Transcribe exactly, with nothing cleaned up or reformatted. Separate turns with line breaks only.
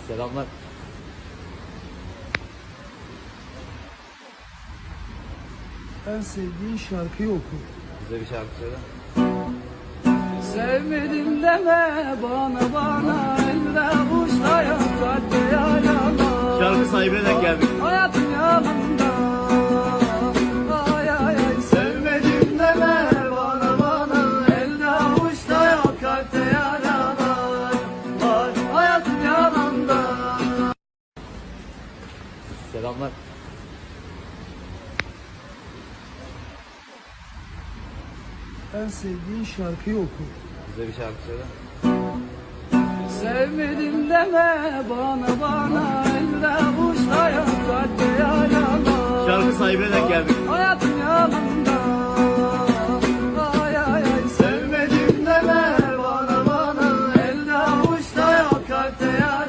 Selamlar.
En sevdiğin şarkıyı oku.
Bize bir şarkı söyle.
Sevmedim deme bana bana, elde uçlayan kalpte yarama.
Şarkı sahibine denk geldik.
Hayatım yanımda. Ay ay ay, sevmedim deme bana bana, elde uçlayan kalpte yarama. Ay, hayatım yanımda.
Selamlar.
En sevdiğin şarkıyı oku.
Bize bir şarkı söyle.
Sevmedim deme bana bana, elde uçlayan kalpte yarama.
Şarkı sahibine denk geldik.
Hayatım yanımda. Ay ay ay, sevmedim deme bana bana, elde avuçta yok kalpte ya.